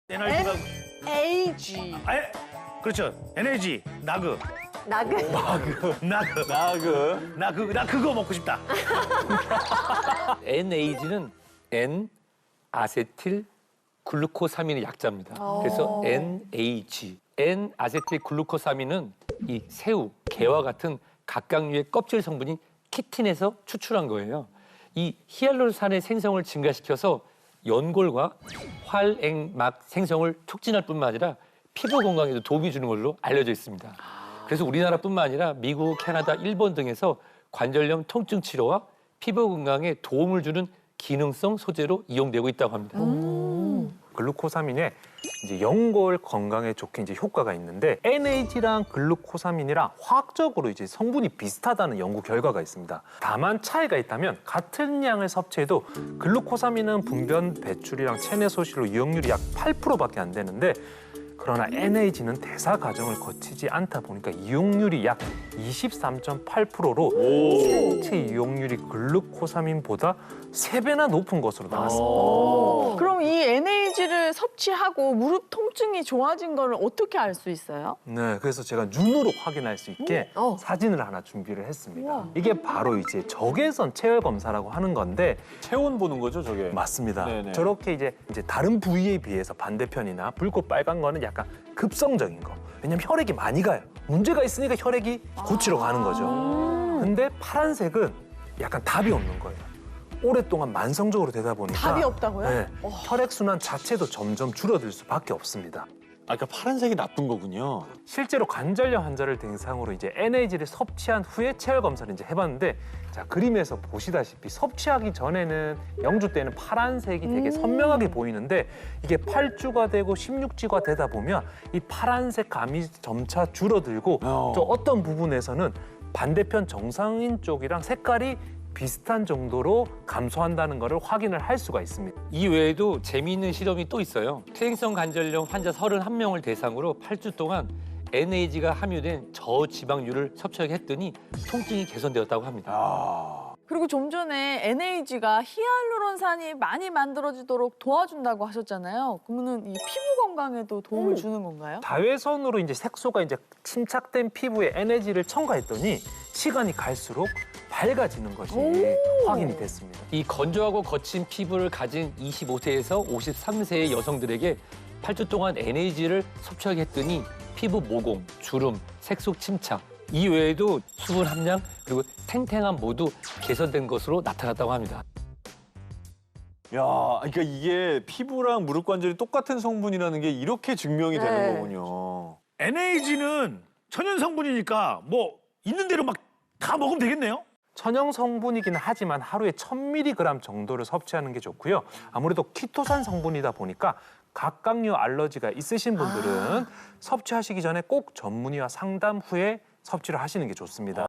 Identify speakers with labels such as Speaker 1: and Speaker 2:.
Speaker 1: NRG가
Speaker 2: NAG.
Speaker 1: 그렇죠. NAG 나그
Speaker 2: 나그.
Speaker 1: 나 그거 먹고 싶다.
Speaker 3: NAG는 N 아세틸 글루코사민의 약자입니다. 그래서 NAG. N 아세틸 글루코사민은 이 새우, 게와 같은 각각류의 껍질 성분인 키틴에서 추출한 거예요. 이 히알루론산의 생성을 증가시켜서 연골과 활액막 생성을 촉진할 뿐만 아니라 피부 건강에도 도움이 주는 걸로 알려져 있습니다. 그래서 우리나라뿐만 아니라 미국, 캐나다, 일본 등에서 관절염 통증 치료와 피부 건강에 도움을 주는 기능성 소재로 이용되고 있다고 합니다.
Speaker 4: 글루코사민에 이제 연골 건강에 좋게 이제 효과가 있는데 NAG랑 글루코사민이랑 화학적으로 이제 성분이 비슷하다는 연구 결과가 있습니다. 다만 차이가 있다면 같은 양을 섭취해도 글루코사민은 분변 배출이랑 체내 소실로 이용률이 약 8%밖에 안 되는데 그러나 NAG는 대사 과정을 거치지 않다 보니까 이용률이 약 23.8%로 생체 이용률이 글루코사민보다 3배나 높은 것으로 나왔습니다.
Speaker 2: 그럼 이 NAG를 섭취하고 무릎 통증이 좋아진 거를 어떻게 알 수 있어요?
Speaker 4: 네, 그래서 제가 눈으로 확인할 수 있게 사진을 하나 준비를 했습니다.
Speaker 2: 우와.
Speaker 4: 이게 바로 이제 적외선 체열 검사라고 하는 건데
Speaker 5: 체온 보는 거죠, 저게?
Speaker 4: 맞습니다.
Speaker 5: 네네.
Speaker 4: 저렇게 이제 다른 부위에 비해서 반대편이나 붉고 빨간 거는 약간 급성적인 거. 왜냐면 혈액이 많이 가요. 문제가 있으니까 혈액이 고치러 가는 거죠. 근데 파란색은 약간 답이 없는 거예요. 오랫동안 만성적으로 되다 보니까
Speaker 2: 답이 없다고요?
Speaker 4: 네, 혈액 순환 자체도 점점 줄어들 수밖에 없습니다.
Speaker 5: 아, 그러니까 파란색이 나쁜 거군요.
Speaker 4: 실제로 관절염 환자를 대상으로 이제 NAG를 섭취한 후에 체열 검사를 이제 해봤는데 자 그림에서 보시다시피 섭취하기 전에는 영주 때는 파란색이 되게 선명하게 보이는데 이게 8주가 되고 16주가 되다 보면 이 파란색 감이 점차 줄어들고 또 어떤 부분에서는 반대편 정상인 쪽이랑 색깔이 비슷한 정도로 감소한다는 것을 확인을 할 수가 있습니다.
Speaker 3: 이 외에도 재미있는 실험이 또 있어요. 퇴행성 관절염 환자 31명을 대상으로 8주 동안 NAG가 함유된 저지방류를 섭취하게 했더니 통증이 개선되었다고 합니다.
Speaker 2: 그리고 좀 전에 NAG가 히알루론산이 많이 만들어지도록 도와준다고 하셨잖아요. 그러면은 이 피부 건강에도 도움을 주는 건가요?
Speaker 4: 자외선으로 이제 색소가 이제 침착된 피부에 NAG를 첨가했더니 시간이 갈수록 밝아지는 것이 확인이 됐습니다.
Speaker 3: 이 건조하고 거친 피부를 가진 25세에서 53세의 여성들에게 8주 동안 NAG를 섭취하게 했더니 피부 모공, 주름, 색소 침착, 이 외에도 수분 함량 그리고 탱탱함 모두 개선된 것으로 나타났다고 합니다.
Speaker 5: 야, 그러니까 이게 피부랑 무릎 관절이 똑같은 성분이라는 게 이렇게 증명이 되는 거군요.
Speaker 1: NAG는 천연 성분이니까 뭐 있는 대로 막 다 먹으면 되겠네요.
Speaker 4: 천연 성분이기는 하지만 하루에 1000mg 정도를 섭취하는 게 좋고요. 아무래도 키토산 성분이다 보니까 각각류 알러지가 있으신 분들은 섭취하시기 전에 꼭 전문의와 상담 후에 섭취를 하시는 게 좋습니다.